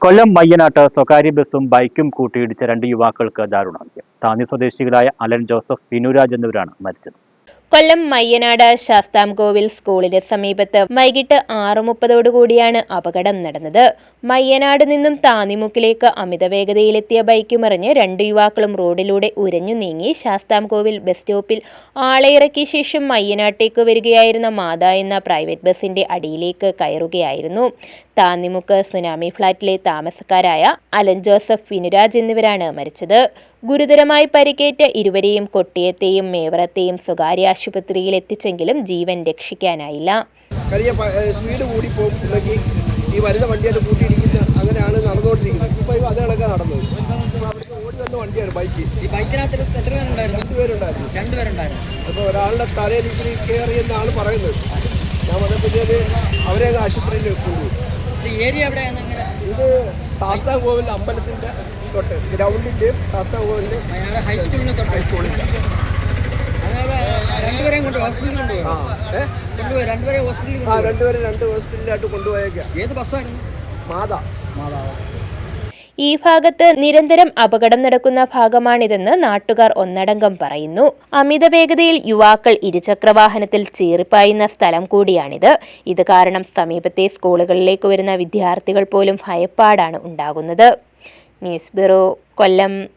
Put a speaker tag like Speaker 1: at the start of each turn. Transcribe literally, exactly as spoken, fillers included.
Speaker 1: കൊല്ലം മയ്യനാട്ട് സ്വകാര്യ ബസും ബൈക്കും കൂട്ടിയിടിച്ച രണ്ട് യുവാക്കൾക്ക് ദാരുണാന്ത്യം. താന്നി സ്വദേശികളായ അലൻ ജോസഫ്, വിനുരാജ് എന്നിവരാണ് മരിച്ചത്.
Speaker 2: കൊല്ലം മയ്യനാട് ശാസ്താംകോവിൽ സ്കൂളിന് സമീപത്ത് വൈകിട്ട് ആറ് മുപ്പതോടുകൂടിയാണ് അപകടം നടന്നത്. മയ്യനാട് നിന്നും താന്നിമുക്കിലേക്ക് അമിതവേഗതയിലെത്തിയ ബൈക്ക് മറിഞ്ഞ് രണ്ട് യുവാക്കളും റോഡിലൂടെ ഉരഞ്ഞു നീങ്ങി ശാസ്താംകോവിൽ ബസ് സ്റ്റോപ്പിൽ ആളെ ഇറക്കിയ ശേഷം മയ്യനാട്ടേക്ക് വരികയായിരുന്ന മാത എന്ന പ്രൈവറ്റ് ബസിന്റെ അടിയിലേക്ക് കയറുകയായിരുന്നു. താന്നിമുക്ക് സുനാമി ഫ്ളാറ്റിലെ താമസക്കാരായ അലൻ ജോസഫ്, വിനുരാജ് എന്നിവരാണ് മരിച്ചത്. ഗുരുതരമായി പരിക്കേറ്റ ഇരുവരെയും കൊട്ടിയത്തെയും മേവറത്തെയും സ്വകാര്യ ആശുപത്രിയിൽ എത്തിച്ചെങ്കിലും ജീവൻ രക്ഷിക്കാനായില്ല.
Speaker 3: സ്പീഡ് കൂടി പോകുമ്പോഴേക്ക് ഈ വരുന്ന വണ്ടിയായിട്ട് കൂട്ടിയിടിക്കുന്ന അങ്ങനെയാണ് നടന്നുകൊണ്ടിരിക്കുന്നത്. ഇപ്പോൾ അതേളൊക്കെ നടന്നത്. ഓടി വന്ന വണ്ടിയാണ് ബൈക്ക്.
Speaker 4: ഈ ബൈക്കിനകത്ത് എത്ര പേരുണ്ടായിരുന്നു?
Speaker 3: രണ്ടുപേരുണ്ടായിരുന്നു.
Speaker 4: രണ്ടുപേരുണ്ടായിരുന്നു.
Speaker 3: അപ്പോൾ ഒരാളുടെ തലയിൽ ഇത്തിരി കയറിയെന്നാണ് പറയുന്നത്. ഞാൻ വന്നപ്പോഴത്തേക്ക് അവരെ ആശുപത്രിയിൽ കൊണ്ടുപോയി.
Speaker 4: ഏരിയ എവിടെയാണ്?
Speaker 3: ഇത് ശാസ്താംകോവിൽ അമ്പലത്തിൻ്റെ തൊട്ട് ഗ്രൗണ്ടിൻ്റെയും ശാസ്താംകോവിലിൻ്റെ
Speaker 4: ഹൈസ്കൂളിന് തൊട്ട്
Speaker 3: ഹൈസ്കൂളിൻ്റെ
Speaker 4: രണ്ടുപേരെയും കൊണ്ട് ഹോസ്പിറ്റലിൽ കൊണ്ടുപോയി. കൊണ്ടുപോയി രണ്ടുപേരെ ഹോസ്പിറ്റലിൽ
Speaker 3: ആ രണ്ടുപേരെ രണ്ട് ഹോസ്പിറ്റലിലായിട്ട് കൊണ്ടുപോയേക്കാം.
Speaker 4: ഏത് ബസ്സായിരുന്നു?
Speaker 3: മാതാ
Speaker 4: മാതാവ്.
Speaker 2: ഈ ഭാഗത്ത് നിരന്തരം അപകടം നടക്കുന്ന ഭാഗമാണിതെന്ന് നാട്ടുകാർ ഒന്നടങ്കം പറയുന്നു. അമിത വേഗതയിൽ യുവാക്കൾ ഇരുചക്രവാഹനത്തിൽ ചീറിപ്പായുന്ന സ്ഥലം കൂടിയാണിത്. ഇത് കാരണം സമീപത്തെ സ്കൂളുകളിലേക്ക് വരുന്ന വിദ്യാർത്ഥികൾ പോലും ഭയപ്പാടാണ് ഉണ്ടാകുന്നത്. ന്യൂസ് ബ്യൂറോ, കൊല്ലം.